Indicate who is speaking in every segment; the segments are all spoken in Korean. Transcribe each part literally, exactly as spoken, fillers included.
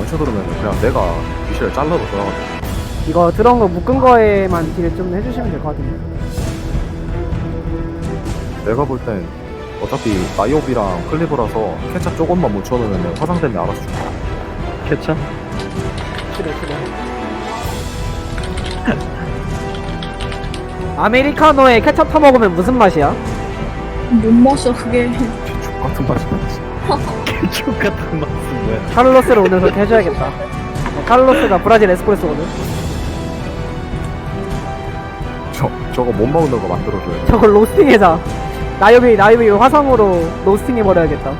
Speaker 1: 뭉쳐들으면 그냥 내가 미셸 잘라도 들어가거든.
Speaker 2: 이거 들어온 거 묶은 거에만 딜을 좀 해주시면 될 것 같은데.
Speaker 1: 내가 볼 땐 어차피 나이오비랑 클리브라서 케찹 조금만 묻혀놓으면 화상되면 알아서 죽어.
Speaker 3: 케찹?
Speaker 2: 그래 그래. 아메리카노에 케첩 타먹으면 무슨 맛이야?
Speaker 4: 못 마셔 그게.
Speaker 1: 족 같은 맛이 나지.
Speaker 3: 케찹 같은 맛은 뭐야?
Speaker 2: 카를로스를 오늘 그렇게 해줘야겠다. 카를로스가 브라질 에스프레소거든.
Speaker 1: 저, 저거 못 먹는 거 만들어줘야 돼.
Speaker 2: 저걸 로스팅해자. 나이오비 나이오비 화상으로 로스팅해버려야겠다.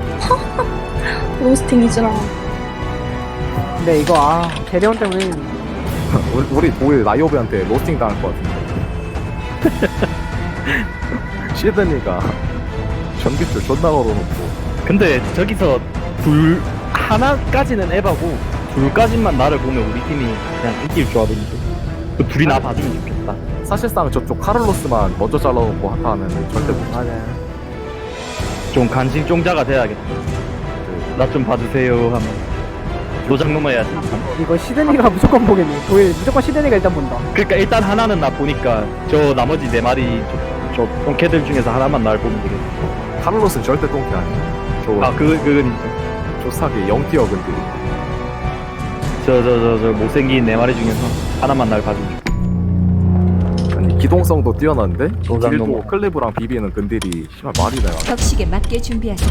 Speaker 4: 로스팅이지라.
Speaker 2: 근데 이거 아 대리원 때문에
Speaker 1: 우리, 우리 도일 나이오비한테 로스팅 당할 것 같은데. 시드니가 전기줄 존나 걸어놓고.
Speaker 3: 근데 저기서 둘 하나까지는 에바고 둘까지만 나를 보면 우리 팀이 그냥 이길 조합인데 그 둘이 나 봐주면 좋겠다.
Speaker 1: 사실상 저쪽 카를로스만 먼저 잘라놓고 하타 하면 절대 못.
Speaker 2: 맞아요.
Speaker 3: 좀 간신 종자가 돼야겠다. 나 좀 봐주세요 하면 노장 넘어야지.
Speaker 2: 이거 시드니가 무조건 보겠네. 도일 무조건 시드니가 일단 본다.
Speaker 3: 그러니까 일단 하나는 나 보니까 저 나머지 네 마리 저, 저 똥개들 중에서 하나만 날 보면 되겠다.
Speaker 1: 카를로스는 절대 똥개 아니야. 저
Speaker 3: 아 그 그건 인정.
Speaker 1: 조사기 영티어 근데
Speaker 3: 저저 저 저 못생긴 네 마리 중에서 하나만 날 봐주면 좋겠다.
Speaker 1: 아니 기동성도 뛰어난데
Speaker 3: 노장
Speaker 1: 딜도
Speaker 3: 넘어.
Speaker 1: 클리브랑 비비는 근딜이 심할 말이 내가.
Speaker 5: 격식에 맞게 준비하세요.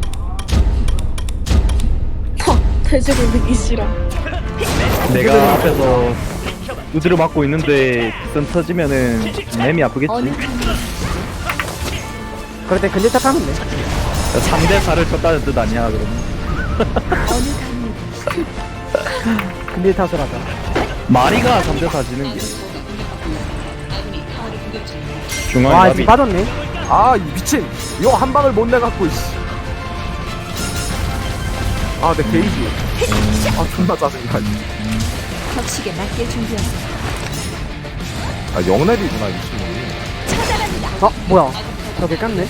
Speaker 4: 돼지를 느기 싫어.
Speaker 3: 내가 앞에서 우드를 맞고 있는데 선 터지면은 맴이 아프겠지.
Speaker 5: 어느 강이
Speaker 2: 그럴 때 근질탑 하면 돼.
Speaker 3: 삼 대 사를 쳤다는 뜻 아니야 그러면.
Speaker 5: 어느 강이
Speaker 2: 근질탑을 하자.
Speaker 3: 마리가 삼 대 사 지는 게 중앙에
Speaker 2: 와
Speaker 3: 나비.
Speaker 2: 지금 빠졌네.
Speaker 1: 아, 이 미친! 이거 한 방을 못 내갖고, 이씨. 아, 내 게이지. 아, 존나 짜증나.
Speaker 5: 격식에 맞게 준비하세요.
Speaker 1: 아, 영랩이구나, 이 친구.
Speaker 5: 차단합니다.
Speaker 2: 어 뭐야? 저게 깠네.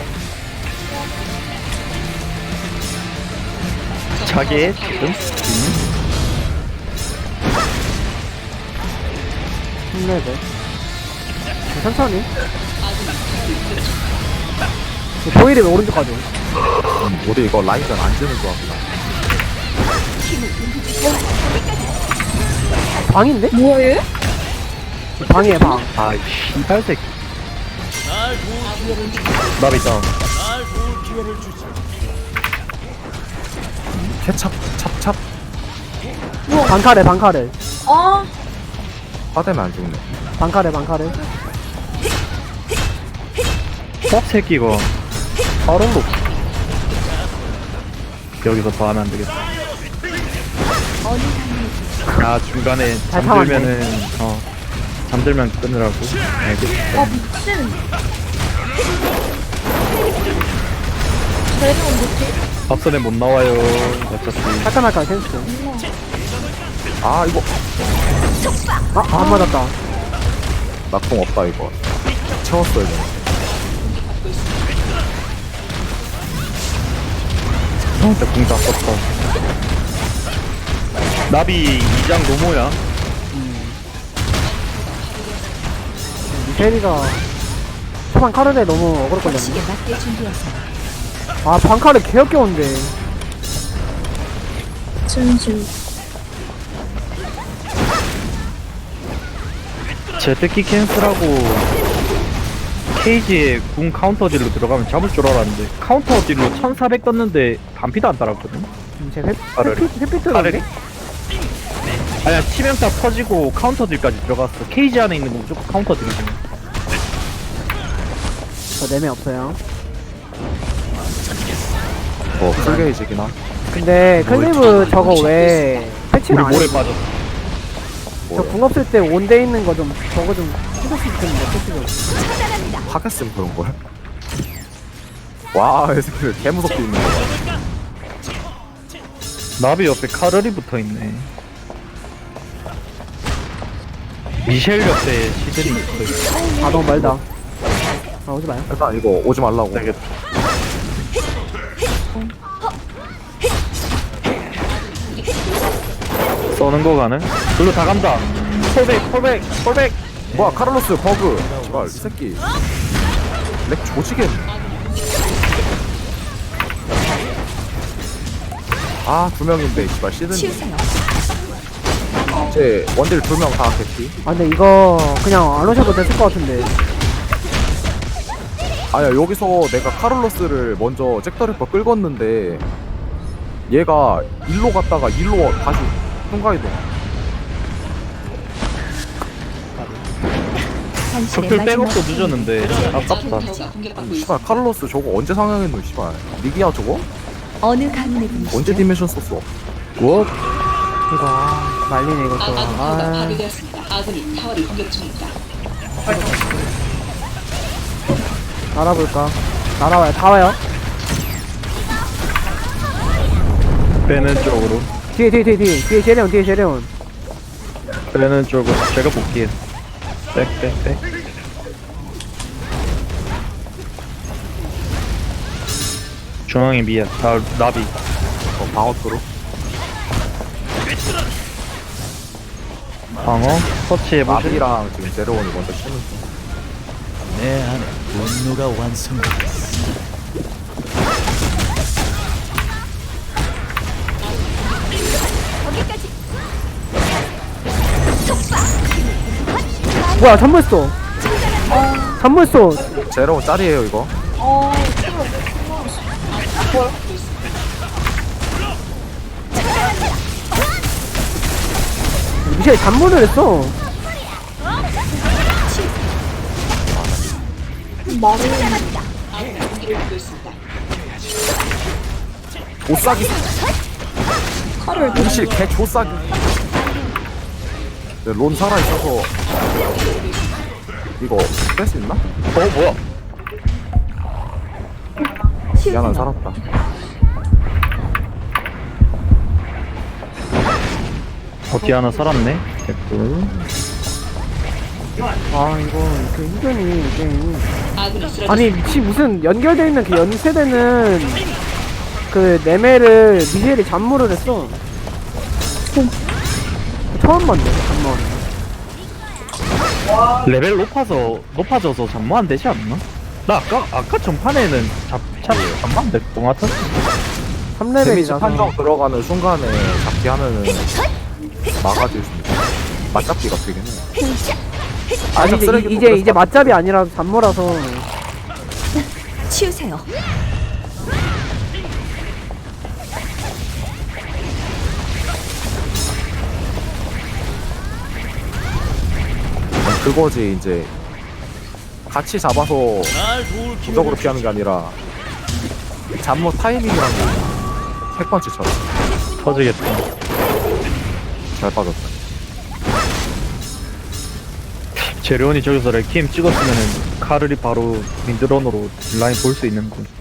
Speaker 3: 자기의 지금
Speaker 2: 힘내자. 천천히. 도일이 왜 오른쪽 가죠?
Speaker 1: 음, 우리 이거 라인전 안 지는 조합이다.
Speaker 2: 방인데?
Speaker 4: 뭐야 얘?
Speaker 2: 방이에요 방.
Speaker 3: 아 씨발 새끼. 나비 다운.
Speaker 1: 케찹, 찹찹.
Speaker 2: 방카레 방카레
Speaker 4: 아
Speaker 1: 화되면 안 죽네.
Speaker 2: 방카레 방카레.
Speaker 3: 뻑 새끼가 바로 높. 여기서 더 하면 안 되겠다.
Speaker 5: 어느 강이
Speaker 3: 아 중간에
Speaker 2: 잘
Speaker 3: 잠들면은 어 잠들면 끊으라고. 알겠어.
Speaker 4: 아 미친. 대리원 못해?
Speaker 3: 앞선에 못 나와요. 어차피.
Speaker 2: 잠깐 할까 센스.
Speaker 1: 아, 이거.
Speaker 2: 아, 안 맞았다.
Speaker 1: 낙동 없다, 이거. 채웠어야 돼.
Speaker 3: 진짜 공다 썼다. 나비 이 장 노모야.
Speaker 2: 미셸이가 초반 카르레 너무 어그로 걸렸네.
Speaker 5: 격식에 맞게 준비하세요.
Speaker 2: 아 방카레 개역겨운데.
Speaker 4: 진심.
Speaker 3: 제트키 캔슬하고 케이지에 궁 카운터 딜로 들어가면 잡을 줄 알았는데 카운터 딜로 천사백 떴는데 반피도 안 따랐거든.
Speaker 2: 음, 제 회-
Speaker 3: 카르레.
Speaker 2: 회피 회피
Speaker 3: 카르레?
Speaker 2: 들었네.
Speaker 3: 아니야 치명타 터지고 카운터 딜까지 들어갔어. 케이지 안에 있는 거 무조건 카운터 딜이지.
Speaker 2: 저 내매 없어요.
Speaker 1: 어, 풀게이지긴 하.
Speaker 2: 근데 클리브 저거 왜
Speaker 3: 우리
Speaker 2: 패치는 안
Speaker 3: 모래
Speaker 2: 해?
Speaker 3: 빠졌어.
Speaker 2: 저 궁 없을 때 온데 있는 거 좀 저거 좀 해줬으면 좋겠는데 패치 좀.
Speaker 5: 차단합니다.
Speaker 1: 하겠으면 그런걸? 와, 이 새끼들 개무섭게 있는 거야.
Speaker 3: 나비 옆에 카르리 붙어있네. 미셸 옆에 시드니 붙어있어.
Speaker 2: 아 너무 멀다. 아 오지 마요.
Speaker 1: 일단 이거 오지 말라고.
Speaker 3: 되겠다. 써는 거 가는? 글로 다 간다. 콜백, 콜백, 콜백.
Speaker 1: 뭐야 카를로스 버그. 제발 이 새끼. 렉 조지겠네. 아두 명인데 씨발 시드니.
Speaker 5: 치우세요.
Speaker 1: 제 원딜 두 명 다 개피.
Speaker 2: 아 근데 이거 그냥 안 오셔도 됐을 것 같은데.
Speaker 1: 아야 여기서 내가 카를로스를 먼저 잭더리퍼 끌궜는데 얘가 일로 갔다가 일로 다시 순간이동.
Speaker 5: 당신의
Speaker 3: 적들
Speaker 5: 마지막
Speaker 3: 백업도 늦었는데 아깝다.
Speaker 1: 아니, 씨발 카를로스 저거 언제 상향했노 씨발. 리기야 저거?
Speaker 5: 어느 가문의 분이시죠?
Speaker 1: 언제 디멘션 썼어?
Speaker 3: 뭐?
Speaker 2: 이거 아, 말리네 이것도. 아
Speaker 6: 파괴되었습니다. 아군이 타워를 공격 중입니다.
Speaker 2: 날아볼까? 날아와요. 다 와요.
Speaker 3: 빼는 쪽으로.
Speaker 2: 뒤에 뒤에 뒤에 뒤에 뒤에 제레온 뒤에 제레온.
Speaker 3: 빼는 쪽으로. 제가 볼게요. 백, 백, 백. 중앙에 미야. 다 나비.
Speaker 1: 어, 방어 뚫어.
Speaker 3: 방어. 터치해보시.
Speaker 1: 나비랑 지금 제로원이 먼저 치는 중.
Speaker 7: 내 안에 분노가 완성되었어.
Speaker 2: 뭐야 잠물 쏘. 잠물 쏘.
Speaker 1: 제로원 짤이에요 이거.
Speaker 4: 어,
Speaker 2: 미셸 잠물을 했어.
Speaker 4: 말을
Speaker 1: 조싸기.
Speaker 4: 칼을
Speaker 1: 동실 개 조싸기. 네, 론 살아있어서 이거 뺄 수 있나?
Speaker 3: 어, 뭐야?
Speaker 1: 미안한 살았다.
Speaker 3: 어디 하나 살았네? 됐고.
Speaker 2: 아 이거 그 힘드니 게임이.
Speaker 6: 아군이 쓰러졌습니다.
Speaker 2: 아니 미치 무슨 연결되어 있는 그 연세대는 그 네메를 미셸이 잠물을 했어. 처음 봤네 잠물.
Speaker 3: 레벨 높아서, 높아져서 잠모 안 되지 않나? 나 아까, 아까 전판에는 잡, 잡, 잠모 안 될 것 같았어.
Speaker 2: 삼
Speaker 1: 데미지
Speaker 2: 레벨이라서.
Speaker 1: 판정 들어가는 순간에 잡기 하면은 막아줄 수 있어. 맞잡기가 되긴 해.
Speaker 2: 아니
Speaker 1: 살짝
Speaker 2: 이제
Speaker 1: 쓰레기통
Speaker 2: 이제
Speaker 1: 그래서
Speaker 2: 이제 맞잡이 아니라 잠모라서.
Speaker 5: 치우세요.
Speaker 1: 그거지 이제 같이 잡아서
Speaker 7: 날 도울
Speaker 1: 무적으로 피하는 게 아니라 잠모 타이밍이란 게 핵펀치처럼
Speaker 3: 터지겠다.
Speaker 1: 잘 빠졌다.
Speaker 3: 제레온이 저기서 레키엠 찍었으면은 카를이 바로 민드런으로 라인 볼 수 있는 거.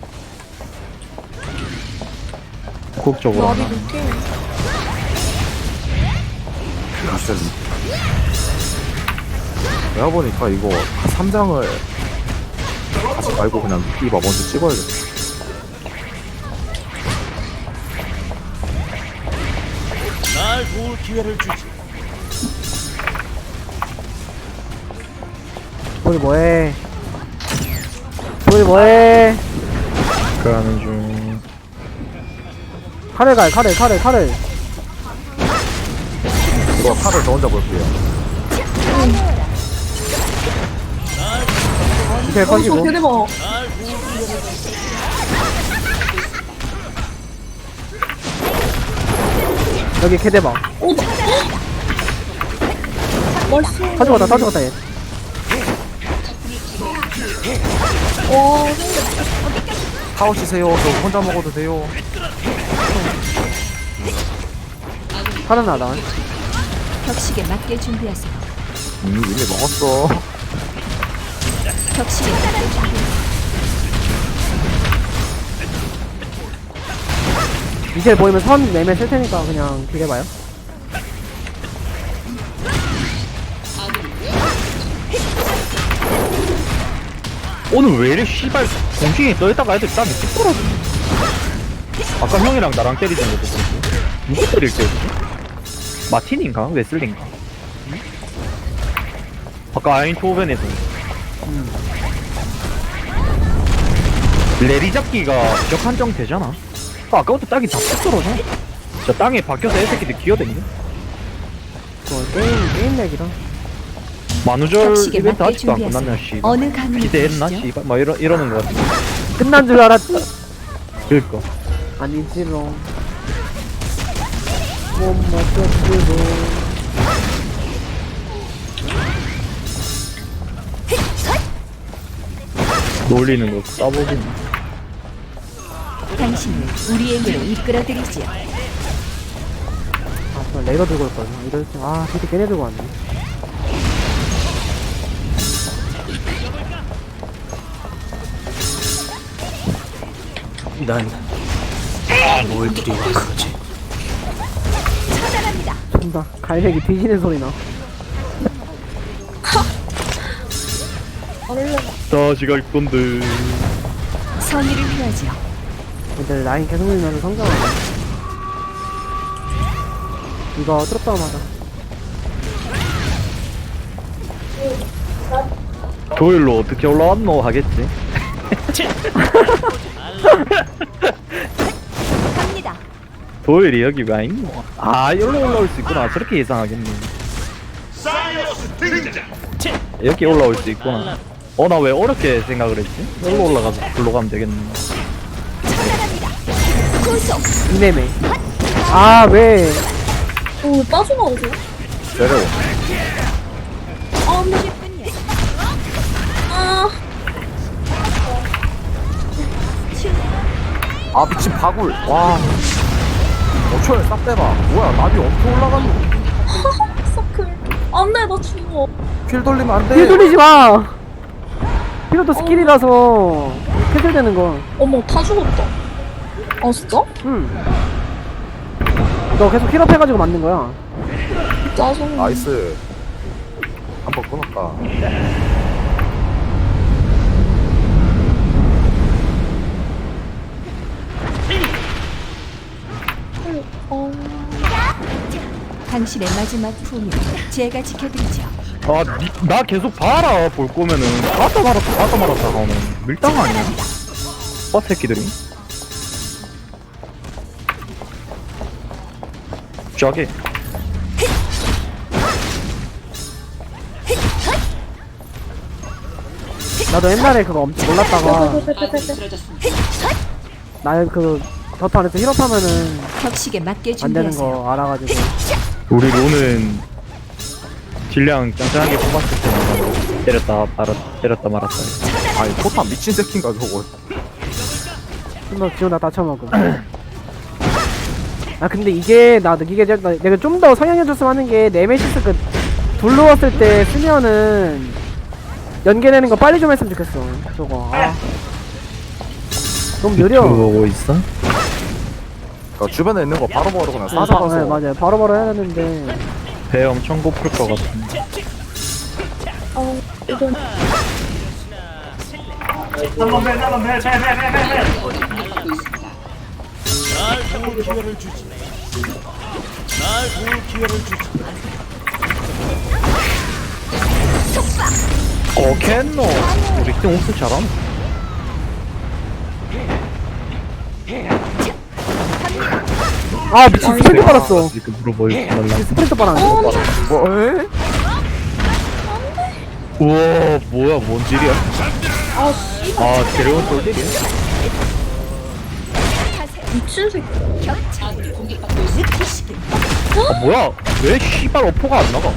Speaker 3: 국적으로
Speaker 4: 말이
Speaker 3: 하나.
Speaker 4: 늦게.
Speaker 1: 진짜 내가 보니까 이거 삼 장을 하지 말고 그냥 이봐 먼저 찍어야겠다.
Speaker 7: 날 도울 기회를 주지.
Speaker 2: 우리 뭐해? 우리 뭐해?
Speaker 3: 그 하는 중.
Speaker 2: 칼을 가요 칼을 칼을 칼을.
Speaker 1: 이거 칼을 저 혼자 볼게요.
Speaker 2: 미셸
Speaker 4: 어, 저
Speaker 2: 커지고.
Speaker 4: 걔네 봐.
Speaker 2: 여기 캐대봐.
Speaker 4: 오, 나이스.
Speaker 2: 다 죽었다 다 죽었다 얘.
Speaker 4: 와,
Speaker 1: 타워 치세요. 저 혼자 먹어도 돼요.
Speaker 2: 살아나다.
Speaker 5: 격식에 맞게 준비하세요.
Speaker 1: 음 이미 먹었어.
Speaker 5: 격식에 맞게 준비하세요.
Speaker 2: 미셸 보이면 선 내면 쓸 테니까 그냥 기대봐요.
Speaker 3: 오늘 왜 이래 씨발 공중에 떠있다가 애들 땀이 뚝 떨어지네. 아까 형이랑 나랑 때리던 것도 그렇고 누구 때릴 때였지? 마틴인가? 웨슬린가? 아까 아인토벤에서 레리 잡기가 벽 한정 되잖아. 아, 아까부터 딱이 다 툭 떨어져. 저 땅에 박혀서 애새끼들 기어댕겨.
Speaker 2: 뭐 게임 게임 렉이라.
Speaker 3: 만우절
Speaker 5: 격식에
Speaker 3: 이벤트
Speaker 5: 맞게
Speaker 3: 아직도 안
Speaker 5: 준비하세요.
Speaker 3: 끝났냐 씨.
Speaker 5: 어느 가문에
Speaker 3: 기대했나
Speaker 5: 분이시죠?
Speaker 3: 씨발 막 이러, 이러는 거 같아.
Speaker 2: 끝난 줄 알았지.
Speaker 3: 그니까
Speaker 2: 아니지롱. 못 맞췄지롱.
Speaker 3: 놀리는 거 싸보긴.
Speaker 5: 당신을 우리에게로 이끌어드리지요.
Speaker 2: 아, 저 레이더 들고 올 거야. 이럴 때, 아, 그때 걔네 들고 왔네.
Speaker 7: 난뭘 드리려 그러지?
Speaker 5: 처단합니다.
Speaker 2: 존나 갈색이 뒤지는 소리 나.
Speaker 3: 다시 갈 건데.
Speaker 5: 선의를 표하지요.
Speaker 2: 근데 라인 계속 밀면서 성장하네. 이거 뚫었다고 맞아.
Speaker 3: 도일로 어떻게 올라왔노 하겠지.
Speaker 5: 갑니다.
Speaker 3: 도일이 여기 왜 있노? 아, 여기로 올라올 수 있구나. 저렇게 예상하겠네. 여기 올라올 수 있구나. 어, 나 왜 어렵게 생각을 했지? 여기로 올라가서 글로 가면 되겠네.
Speaker 5: 처단합니다. 구속.
Speaker 2: 이내매. 아, 왜.
Speaker 4: 어, 왜 빠져나오세요?
Speaker 1: 내려오.
Speaker 4: 아, 근데,
Speaker 5: 뿐이요.
Speaker 4: 아,
Speaker 1: 아 미친 바굴. 와. 어초에 싹 대봐. 뭐야 나비 엄청 올라갔노.
Speaker 4: 서클. 안 돼, 나 죽어.
Speaker 1: 킬 돌리면 안 돼.
Speaker 2: 힐 돌리지 마! 피로도 스킬이라서 캐슬되는 거.
Speaker 4: 어머, 다 죽었다. 아, 진짜?
Speaker 2: 응. 너 계속 힐업 해가지고 만든 거야.
Speaker 4: 짜증나.
Speaker 1: 나이스. 한 번 끊었다.
Speaker 4: 어,
Speaker 5: 당신의 마지막 품을 제가 지켜드리죠.
Speaker 3: 아, 니, 나 계속 봐라. 볼 거면은. 가다 말았다, 가다 말았다 하면 밀당 아니야? 빠 새끼들이. 저기.
Speaker 2: 나도 옛날에 그거 엄청 몰랐다가
Speaker 6: 아군이 쓰러졌습니다.
Speaker 2: 나그 더트 안에서 힐업하면은
Speaker 5: 격식에 맞게
Speaker 2: 안 되는
Speaker 5: 준비하세요.
Speaker 2: 거 알아가지고.
Speaker 3: 우리 로는 질량 짱짱하게 뽑았을 때마다 때렸다 말았다 때렸다 말았다.
Speaker 1: 아니 포탄 미친 새끼인가 저거.
Speaker 2: 한번 지원다 다쳐먹음. 아 근데 이게 나 이게 나- 내가 좀 더 성향해줬으면 하는 게 네메시스 그 둘러왔을 때 쓰면은 연계되는 거 빨리 좀 했으면 좋겠어. 저거. 아. 너무 느려.
Speaker 3: 보고 있어?
Speaker 1: 그러니까 주변에 있는 거 바로바로 그냥
Speaker 2: 네, 바-
Speaker 1: 싸잡아서.
Speaker 2: 네, 맞아요. 바로바로 해야 되는데.
Speaker 3: 배 엄청 고플 것 같은데.
Speaker 4: 어, 이건.
Speaker 7: 날 도울 기회를 주지. 날 도울 기회를 주지.
Speaker 3: 어, 캔노. 우리 팀 옥수 잘함.
Speaker 2: 아 미친 스프린트 빨았어.
Speaker 3: 이렇게 물어보지 말라.
Speaker 2: 스프린트 빨았네.
Speaker 1: 뭐? 에?
Speaker 3: 우와, 뭐야, 뭔 질이야?
Speaker 4: 아, 씨.
Speaker 3: 아, 데려온 똘질이야?
Speaker 4: 미친 새끼.
Speaker 6: 아군이 공격받고 있습니다.
Speaker 3: 아, 뭐야? 왜 씨발 어포가 안 나가?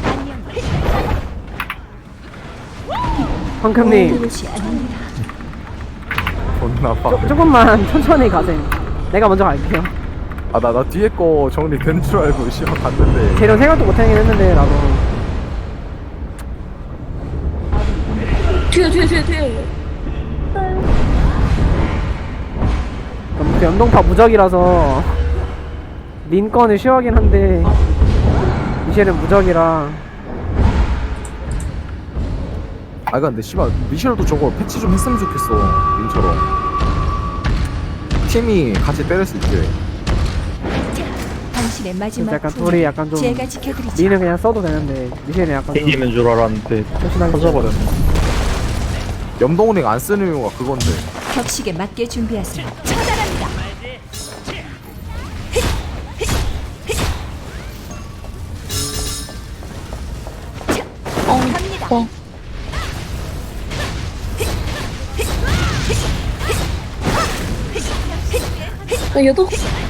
Speaker 2: 황금님
Speaker 5: 그것이 아닙니다.
Speaker 1: 존나 빠.
Speaker 2: 조, 조금만 천천히 가세요. 내가 먼저 갈게요.
Speaker 1: 아나 나 뒤에 거 정리된 줄 알고 씨발 갔는데.
Speaker 2: 재료 생각도 못하긴 했는데 나도.
Speaker 4: 뒤에, 뒤에, 뒤에, 뒤에.
Speaker 2: 그럼 그 연동파 무적이라서 린건을 쉬워하긴 한데 미셸은 무적이라.
Speaker 1: 아 근데 씨발 미셸도 저거 패치 좀 했으면 좋겠어. 민처럼. 팀이 같이 때릴 수 있게.
Speaker 5: 당신의 당신의 마지막
Speaker 2: 약간
Speaker 5: 품을
Speaker 2: 둘이 약간 좀
Speaker 5: 제가 지켜드리죠.
Speaker 2: 니는 그냥 써도 되는데 미셸은 약간 좀
Speaker 3: 케이지인 줄 알았는데
Speaker 2: 조심하게
Speaker 3: 터져버렸네.
Speaker 1: 염동링 안 쓰는 이유가 그건데.
Speaker 5: 격식에 맞게 준비하세요. 처단합니다.
Speaker 4: 어,
Speaker 5: 갑니다.
Speaker 4: 어. 나 얘도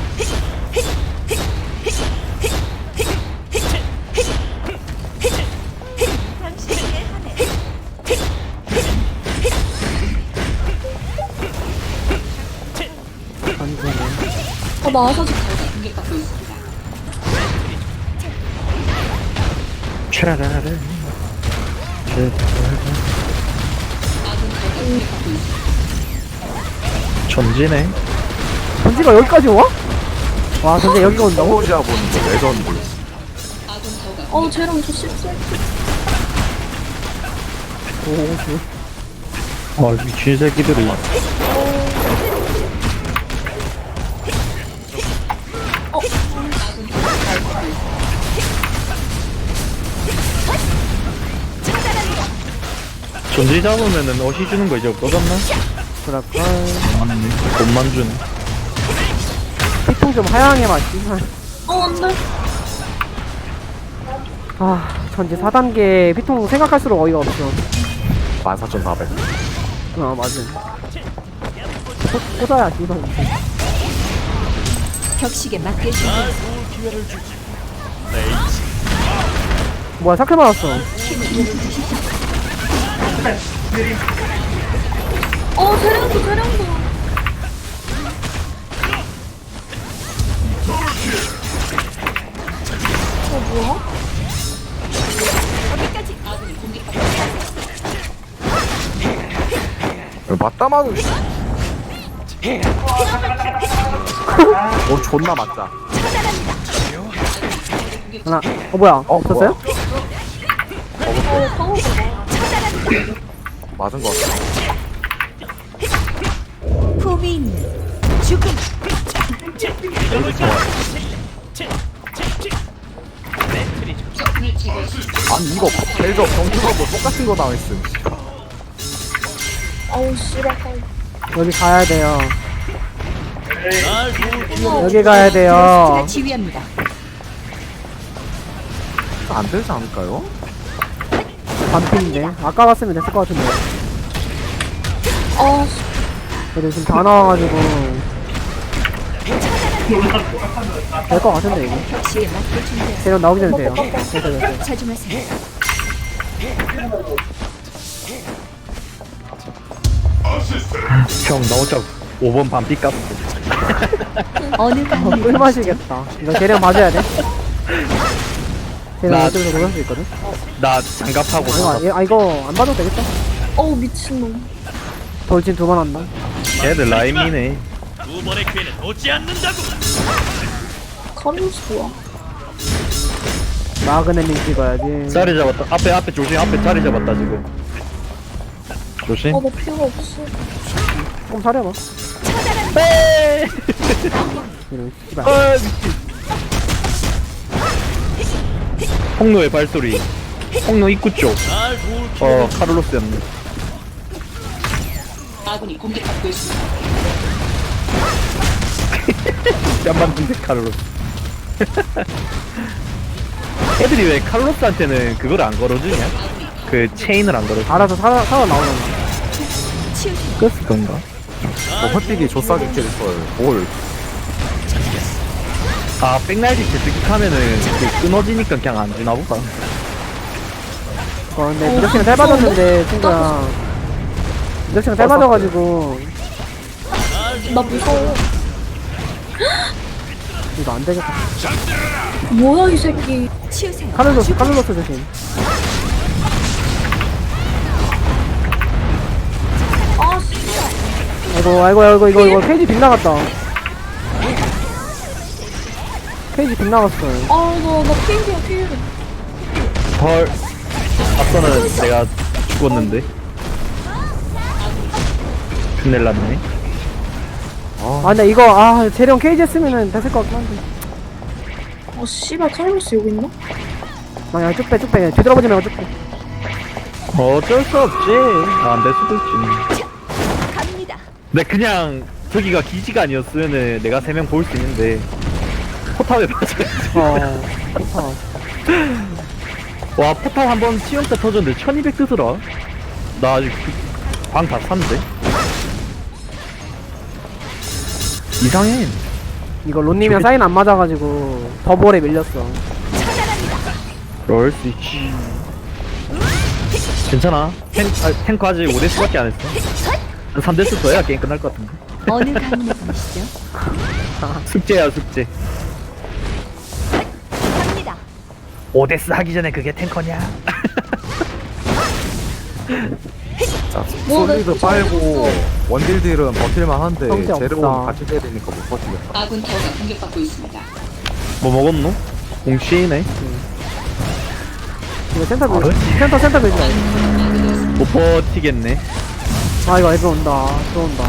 Speaker 2: 안 좋네.
Speaker 4: 어, 나와서 좀
Speaker 6: 공격받고 있습니다.
Speaker 3: 차라라. 전지네.
Speaker 2: 전지가 여기까지 와? 와 전지 여기 온다고?
Speaker 1: 혼자 보는 거 레전드.
Speaker 4: 어, 쟤랑 저 실수.
Speaker 2: 오 그.
Speaker 3: 아 미친 새끼들이. 전지 잡으면은 어시 주는 거 이제 없어졌나?
Speaker 2: 그럴까?
Speaker 3: 맞네. 돈만 주네.
Speaker 2: 피통 좀 하향해 봐 씨발.
Speaker 4: 어, 안 돼.
Speaker 2: 아 전지 사 단계 피통 생각할수록 어이가 없어.
Speaker 1: 만 사천사백.
Speaker 2: 아 맞아. 꽂- 꽂아야 씨발.
Speaker 5: 격식에 맞게 준비하세요.
Speaker 7: 좋은 기회를 주지.
Speaker 2: 뭐야 사클 맞았어.
Speaker 4: 어, 쟤랑도, 쟤랑도. 어, 뭐야?
Speaker 1: 맞다마는. 어 존나 맞다.
Speaker 2: 하나. 어 뭐야?
Speaker 1: 어,
Speaker 2: 없었어요?
Speaker 4: 어, 상호가
Speaker 1: 맞은 거 같아.
Speaker 5: 품이 있는 죽음.
Speaker 1: 아니 이거 벨저 경주하고 똑같은 거 당했음.
Speaker 4: 아우, 씨발.
Speaker 2: 여기 가야 돼요.
Speaker 7: 날 좋은 기회를
Speaker 2: 여기 가야 돼요.
Speaker 5: 제가 지휘합니다.
Speaker 1: 안 되지 않을까요?
Speaker 2: 반핀인데 아까 갔으면 됐을 것 같은데.
Speaker 4: 아, 씨.
Speaker 2: 그래도 지금 다 나와가지고 될 것 같은데 이거.
Speaker 5: 격식에 맞게 준비하세요.
Speaker 2: 대련 나오기 전에 돼요. 됐어 됐어.
Speaker 5: 자중하세요.
Speaker 3: 형 나 혼자 오 번 반피 깠어.
Speaker 5: 어느
Speaker 2: 어,
Speaker 5: 강을
Speaker 2: 꿀 마시겠다. 이거 대련 맞아야 돼. 대련
Speaker 3: 나-
Speaker 2: 어쩌면서 그럴 수 있거든.
Speaker 3: 나 장갑하고
Speaker 2: 아,
Speaker 3: 나가.
Speaker 2: 이거, 아 이거 안 봐도 되겠다.
Speaker 4: 어우, 미친놈.
Speaker 2: 돌진 두 번 한다.
Speaker 3: 걔들 라임이네.
Speaker 7: 두 번의 기회는 오지 않는다고.
Speaker 4: 카리우스 뭐야?
Speaker 2: 마그네밍 찍어야지.
Speaker 3: 자리 잡았다. 앞에 앞에 조심. 앞에 자리 잡았다 지금. 조심.
Speaker 4: 어, 나 필요가 없어.
Speaker 2: 조금 사려봐. 이런 씨발.
Speaker 3: 아 미친. 홍로의 발소리. 홍로 입구 쪽.
Speaker 7: 날 좋은 기회를
Speaker 3: 어 카를로스였네.
Speaker 6: 아군이 공격받고 있습니다.
Speaker 3: 뺨만 든데 카를로스. 애들이 왜 카를로스한테는 그걸 안 걸어주냐? 그 체인을 안 걸어줘.
Speaker 2: 알아서 살아 살아 나오잖아.
Speaker 5: 치우세요.
Speaker 3: 그랬을 건가?
Speaker 1: 뭐 헛디기 조싸기 캐릭터를 뭘.
Speaker 3: 아 백날지 제트킥하면은 그 끊어지니까 그냥 안 주나 보다.
Speaker 2: 어 근데 미덕씨는 짧아졌는데 친구야. 미덕씨는 짧아져가지고
Speaker 4: 나 무서워.
Speaker 2: 이거 안 되겠다.
Speaker 4: 뭐야, 이 새끼.
Speaker 5: 치우세요.
Speaker 2: 카를로스 카를로스 조심.
Speaker 4: 아, 씨발.
Speaker 2: 아이고 아이고 아이고 이거 이거 페이지 빗나갔다. 페이지 빗나갔어.
Speaker 4: 아, 나, 나 피해야, 피해.
Speaker 3: 헐. 앞서는 내가 죽었는데. 큰일 났네.
Speaker 2: 아 근데 이거 아 재령 케이지 했으면은 됐을 것 같긴 한데.
Speaker 4: 아 씨발 카를로스 여기 있나?
Speaker 2: 아야 쭉빼 쭉빼 뒤돌아보지 말고 쭉빼.
Speaker 3: 어쩔 수 없지. 아, 안 될 수도 있지.
Speaker 5: 갑니다.
Speaker 3: 근데 그냥 저기가 기지가 아니었으면은 내가 세 명 볼 수 있는데 포탑에 맞아.
Speaker 2: 어 좋다.
Speaker 3: 와, 포탑 한번 시험 때 터졌는데 천이백 뜨더라. 나 아직 방 다 샀는데. 이상해.
Speaker 2: 이거 론님이랑 사인 안 맞아가지고 더블에 밀렸어.
Speaker 3: 그럴 수 있지. 괜찮아. 탱, 아, 탱크 아직 오 대수밖에 안 했어. 한 삼 대수 더 해야 게임 끝날 것 같은데.
Speaker 5: 어느 가문에 분이시죠?
Speaker 3: 숙제야, 숙제.
Speaker 5: 갑니다.
Speaker 3: 오 대수 하기 전에 그게 탱커냐?
Speaker 1: 자,
Speaker 4: 뭐, 나
Speaker 1: 솔리드
Speaker 4: 진짜
Speaker 1: 빨고
Speaker 4: 어이없어.
Speaker 1: 원딜 딜은 버틸만 한데
Speaker 2: 성재
Speaker 1: 제레온
Speaker 2: 없다.
Speaker 1: 같이 때리니까 못 버티겠다.
Speaker 6: 아군 타워가 공격받고 있습니다.
Speaker 3: 뭐 먹었노? 공치네.
Speaker 2: 이거 센터 밀
Speaker 3: 그렇지.
Speaker 2: 센터 센터 밀자.
Speaker 3: 못 버티겠네.
Speaker 2: 아 이거 애들 온다. 또 온다.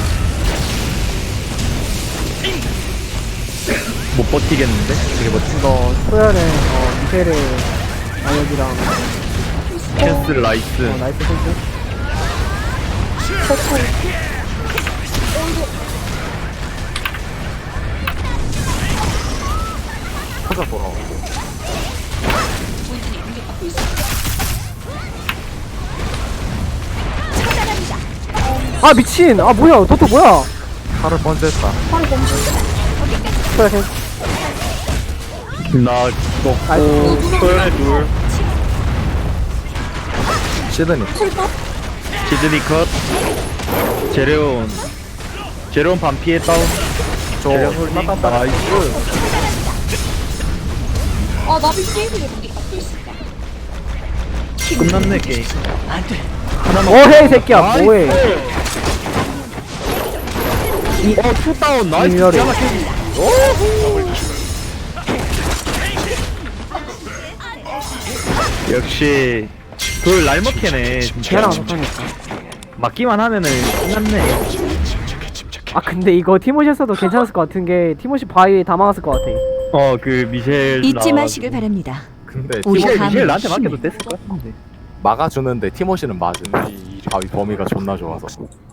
Speaker 3: 못 버티겠는데? 되게 버티.
Speaker 2: 이거 소열의 어 미셸의 아역이랑
Speaker 3: 캔슬 라이스.
Speaker 2: 어 나이스 센스.
Speaker 1: 찾아 돌아와.
Speaker 6: 본진이 공격받고 있습니다.
Speaker 2: 아 미친. 아 뭐야 도토 뭐야.
Speaker 1: 칼을 번졌다.
Speaker 2: 소열 센스.
Speaker 3: 나 먹고 소연의 둘.
Speaker 1: 시드니.
Speaker 3: 시드니 컷. 제레온. 제레온 반피에 다운.
Speaker 1: 저
Speaker 3: 제레온 홀딩. 나이스.
Speaker 4: 아 나비 게임이
Speaker 6: 공격받고 있습니다.
Speaker 3: 끝났네 게임. 하나만.
Speaker 2: 어헤이 새끼야
Speaker 3: 나이스.
Speaker 2: 뭐해.
Speaker 3: 어, 투다운 나이스.
Speaker 2: 이열이.
Speaker 3: 기가 막히네. 역시 돌 날먹히네 진짜.
Speaker 2: 걔랑 못하니까.
Speaker 3: 맞기만 하면은 끝났네.
Speaker 2: 아 근데 이거 티모시였어도 괜찮았을 것 같은 게 티모시 바위 다 막았을 것 같아.
Speaker 3: 어, 그 미셸
Speaker 5: 잊지
Speaker 3: 나와가지고.
Speaker 5: 마시길 바랍니다.
Speaker 1: 근데
Speaker 5: 우리
Speaker 3: 미셸
Speaker 5: 감-
Speaker 3: 미셸 나한테 맡겨도
Speaker 5: 힘을.
Speaker 3: 됐을 것 같은데.
Speaker 1: 막아주는데 티모시는 맞은. 바위 범위가 존나 좋아서.